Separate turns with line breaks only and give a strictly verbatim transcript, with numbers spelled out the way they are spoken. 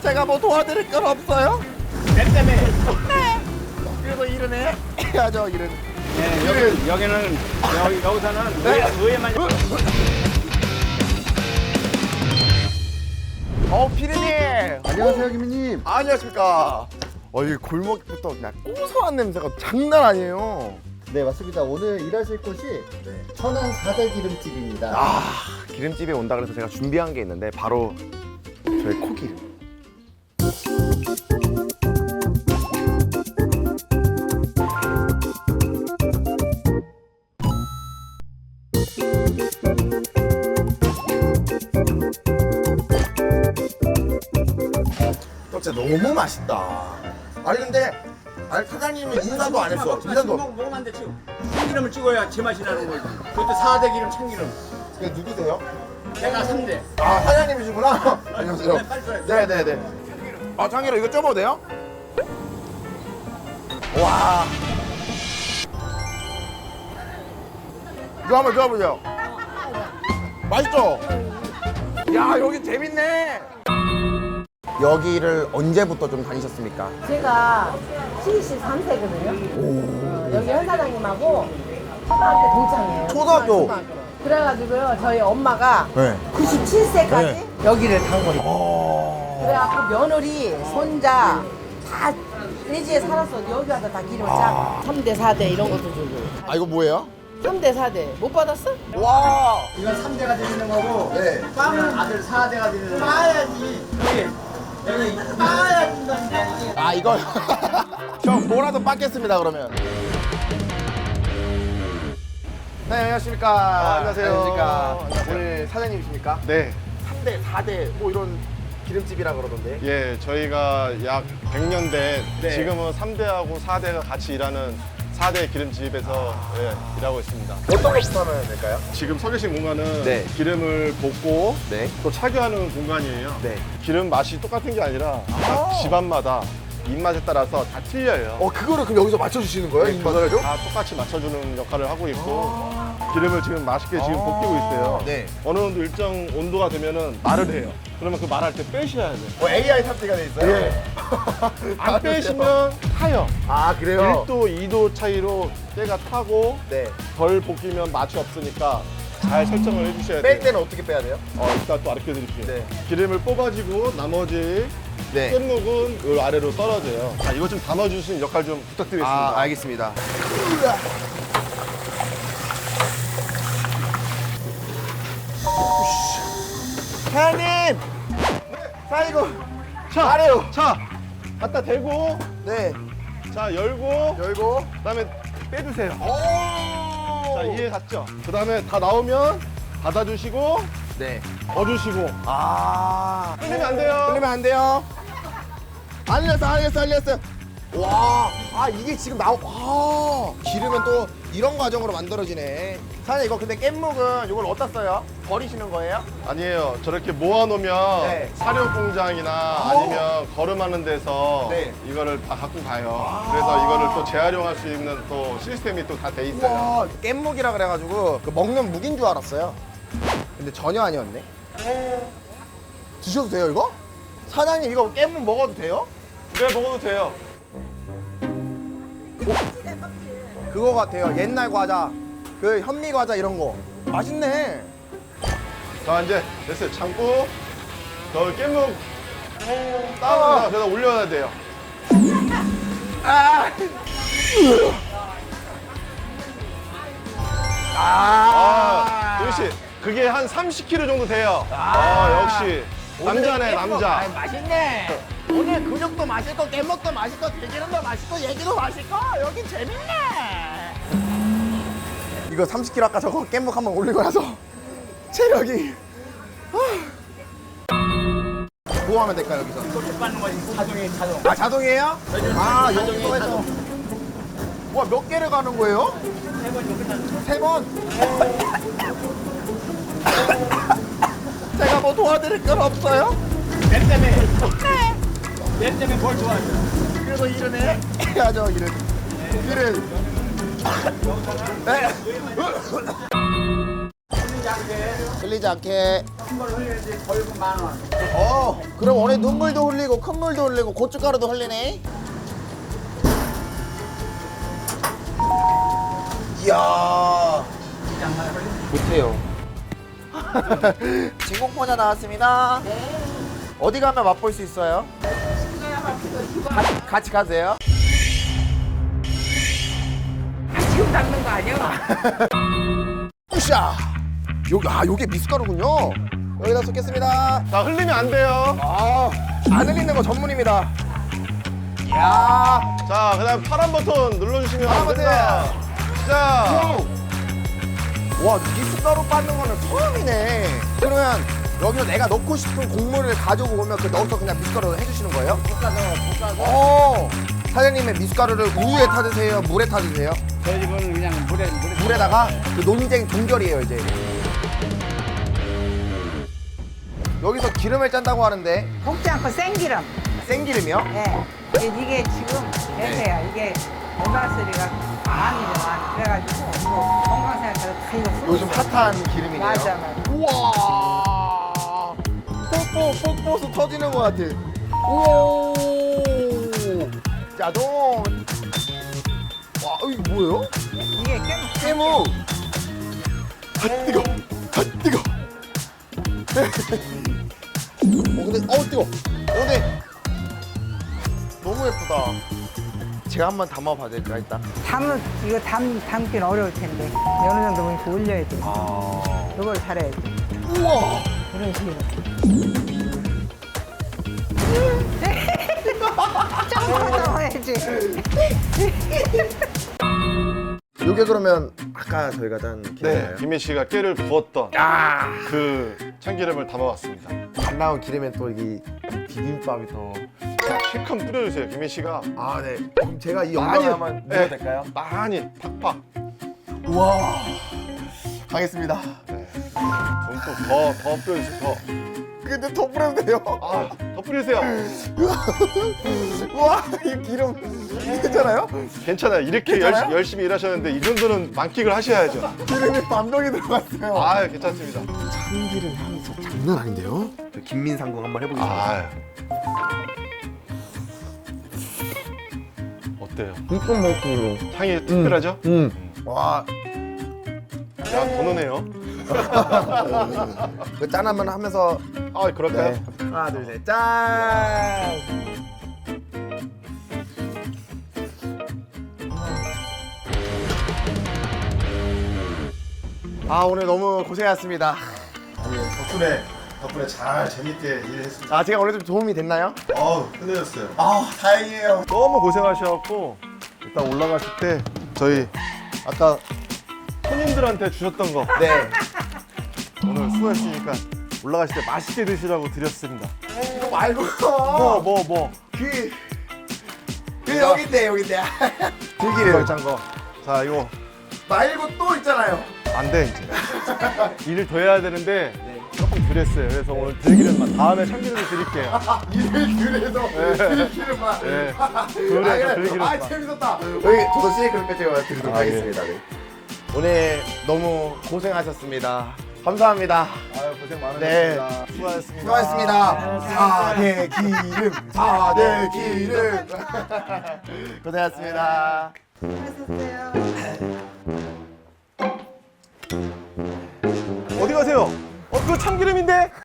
제가 뭐 도와드릴 건 없어요?
내 때문에.
네. 그래도 일은 해. 해야죠, 일은.
네, 여기, 여기는, 여기, 여기서는
네.
의회, 의회만.
어, 피디님.
안녕하세요, 김희님.
아, 안녕하십니까. 어, 이 골목부터 그냥 고소한 냄새가 장난 아니에요.
네, 맞습니다. 오늘 일하실 곳이 천안 사대 기름집입니다.
아, 기름집에 온다 그래서 제가 준비한 게 있는데 바로 저희 코기름. 진짜 너무 맛있다. 아니 근데 아니 사장님이 인사도 안 했어. 인사도.
먹으면 안 돼, 지금. 참기름을 찍어야 제맛이 나는 거지. 그것도 사 대 기름 참기름.
이게 누구세요?
내가 삼 대.
아 사장님이시구나. 안녕하세요.
네, 빨리 써요.
네네네. 아 참기름 이거 쪄봐도 돼요? 와. 이거 한번 쪄보세요. 맛있죠? 야 여기 재밌네. 여기를 언제부터 좀 다니셨습니까?
제가 칠십삼 세거든요. 어, 여기 현 사장님하고 초등학교 동창이에요.
초등학교?
초등학교. 그래가지고요, 저희 엄마가
네.
구십칠 세까지
네.
여기를 간 거예요.
어...
그래갖고 며느리, 손자 다 외지에 살았어. 여기 와서 다 기름을 짜고. 삼 대, 사 대 이런 것도 주고.
아 이거 뭐예요?
삼 대, 사 대. 못 받았어?
와.
이건 삼 대가 드리는 거고,
네.
빵은 아들 사 대가 드리는 거고. 빠야지. 여기, 여기 빠야 준다는
아 이거 형 뭐라도 받겠습니다 그러면. 네 안녕하십니까.
아, 안녕하세요.
안녕하십니까.
안녕하세요.
오늘 사장님이십니까?
네,
삼 대, 사 대 뭐 이런 기름집이라 그러던데.
예, 저희가 약 백 년 된
네.
지금은 삼 대하고 사 대가 같이 일하는 사 대 기름집에서 예, 일하고 있습니다.
어떤 것부터 하면 될까요?
지금 서 계신 공간은
네.
기름을 볶고
네.
또 착유하는 공간이에요.
네.
기름 맛이 똑같은 게 아니라 각 집안마다 입맛에 따라서 다 틀려요.
어 그거를 그럼 여기서 맞춰주시는 거예요?
네,
입맛을?
그걸 다 똑같이 맞춰주는 역할을 하고 있고 기름을 지금 맛있게 지금 볶이고 있어요.
네.
어느 정도 일정 온도가 되면은 말을 해요. 그러면 그 말할 때 빼셔야 돼요.
뭐 에이아이 탑재가 돼 있어요?
예. 안 빼시면 타요.
아 그래요?
일 도, 이 도 차이로 때가 타고
네.
덜 볶이면 맛이 없으니까 잘 설정을 해주셔야
뺄
돼요.
때는 어떻게 빼야 돼요?
어, 이따 또 알려 드릴게요.
네.
기름을 뽑아주고 나머지
네.
깻묵은 요 아래로 떨어져요. 자, 이거 좀 담아주시는 역할 좀 부탁드리겠습니다.
아 알겠습니다. 사장님! 자 이거
자,
아래요.
자, 갖다 대고,
네
자, 열고,
열고
그다음에 빼주세요.
오!
자, 이해 갔죠? 그다음에 다 나오면 닫아주시고,
네.
넣어주시고.
아
흘리면 안 돼요.
흘리면 안 돼요. 안 흘렸어 안 흘렸어 안 흘렸어. 와, 아 이게 지금 나오. 아 기름은 또 이런 과정으로 만들어지네. 사장님 이거 근데 깻묵은 이걸 어디다 써요? 버리시는 거예요?
아니에요. 저렇게 모아놓으면
네.
사료 공장이나 아니면 거름하는 데서
네.
이거를 다 갖고 가요. 그래서 이거를 또 재활용할 수 있는 또 시스템이 또 다 돼 있어요.
와, 깻묵이라 그래가지고 그 먹는 묵인 줄 알았어요. 근데 전혀 아니었네. 드셔도 돼요 이거? 사장님 이거 깻묵 먹어도 돼요?
네, 먹어도 돼요.
그거 같아요. 옛날 과자, 그 현미 과자 이런 거. 맛있네.
자, 이제 됐어요. 참고 저 깻묵 따로 그래서 올려야 돼요.
아,
아, 도희 씨, 그게 한 삼십 킬로그램 정도 돼요. 아, 역시 남자네, 남자.
아이, 맛있네. 오늘 근육도 맛있고 깻묵도 맛있고 들기름도 맛있고 얘기도 맛있고 여기 재밌네. 이거 삼십 킬로그램 아까 저거 깻묵 한번 올리고 나서 체력이. 뭐 하면 될까요 여기서?
소주 받는 거지. 자동이 자동.
아 자동이에요? 아
자동이
여기서 해서. 와 몇 개를 가는 거예요?
세 번이면 끝났어.
세 번? 제가 뭐 도와드릴 건 없어요?
내 때문에. 내 때문에 뭘 좋아하죠?
그래도 일은 해? 해야죠 일은. 일은. 네. 흘리지 않게.
큰걸 흘려야지 벌금 만 원.
어, 그럼 오늘 눈물도 흘리고 큰 물도 흘리고 고춧가루도 흘리네. 이야, 못해요. 진공포자 나왔습니다. 어디 가면 맛볼 수 있어요? 같이, 같이 가세요.
지금 닦는 거 아니야?
으쌰! 여기, 아, 요게 미숫가루군요. 여기다 쏟겠습니다.
자, 흘리면 안 돼요.
아, 안 흘리는 거 전문입니다. 이야,
자, 그다음 파란 버튼 눌러주시면
파란 버튼.
됩니다. 자,
와, 미숫가루 빻는 거는 처음이네. 그러면 여기서 내가 넣고 싶은 곡물을 가지고 오면 그 넣어서 그냥 미숫가루 해주시는 거예요? 볶아서, 볶아서. 오, 사장님의 미숫가루를 우유에 타드세요? 물에 타드세요?
저희 집은 그냥 물에 물에
물에다가 그 논쟁 동결이에요, 이제. 여기서 기름을 짠다고 하는데
볶지 않고 생기름.
생기름이요?
예. 이게, 이게 지금 대세야. 이게 오메가쓰리가 많이 많이 그래가지고 뭐 건강 생각해서 다 이거 쓰고
요즘
있어요.
핫한 기름이네요.
맞아, 맞아.
우와, 뽀뽀 뽀뽀서 터지는 것 같아. 우와, 짜동. 와, 이거 뭐예요?
이게 깨
깨무. 아, 뜨거. 아, 뜨거. 어, 근데 어 뜨거. 어, 근데 너무 예쁘다. 제가 한번 담아봐도 될까 일단?
담은 이거 담 담긴 어려울 텐데 어느 정도 이렇게 올려야 돼.
아,
이걸 잘해야지.
우와.
이런 식으로. 좀더 해야지.
요게 그러면 아까 저희가 짠
네,
기름이에요?
김민 씨가 깨를 부었던
아,
그 참기름을 담아왔습니다.
안 나온 기름에 또 이 비빔밥이 더.
자, 실컷 뿌려주세요, 김민 씨가.
아, 네. 그럼 제가 이
많이,
영광을 한번
네.
먹어도 될까요?
많이 팍팍.
우와. 가겠습니다.
좀더더 더 뿌려주세요. 더.
근데 더 뿌려도 돼요?
아, 더 뿌리세요.
우와, 이 기름 괜찮아요?
괜찮아요. 이렇게
괜찮아요?
열심히, 열심히 일하셨는데 이 정도는 만끽을 하셔야죠.
기름이 반병이 들어갔어요.
아, 괜찮습니다.
참기름 향이 저 장난 아닌데요? 저 김민상궁 한번 해보겠습니다.
아, 어때요?
이건 먹고.
향이 특별하죠?
음. 와,
야, 더 넣네요.
그 짠 한번 하면서.
아, 그럴까요?
네. 하나, 둘, 셋, 짠! 아, 오늘 너무 고생하셨습니다.
아니, 덕분에 덕분에 잘 재밌게 일했습니다.
아, 제가 오늘 좀 도움이 됐나요?
어우, 끝내줬어요.
아, 다행이에요.
너무 고생하셔갖고 일단 올라가실 때 저희 아까 손님들한테 주셨던 거
네.
오늘 수고했으니까 올라가실 때 맛있게 드시라고 드렸습니다.
이거 말고.
뭐 뭐 뭐.
그, 그 여긴데, 여긴데. 들기름.
걸짠 거. 자, 이거
말고 또 있잖아요.
안 돼 이제. 일을 더 해야 되는데 조금 덜했어요. 그래서 오늘 들기름만 다음에 참기름을 드릴게요.
일을 그래서 들기름만.
네.
아,
그래서
그래.
들기름만.
아, 재밌었다. 여기 저도 시네크림 배지가 드리도록
아,
하겠습니다. 네. 오늘 너무 고생하셨습니다. 감사합니다.
아유, 고생
네.
많으셨습니다. 수고하셨습니다.
수고하셨습니다. 사대 기름, 사대 기름. 고생하셨습니다.
어디 가세요? 어, 그거 참기름인데?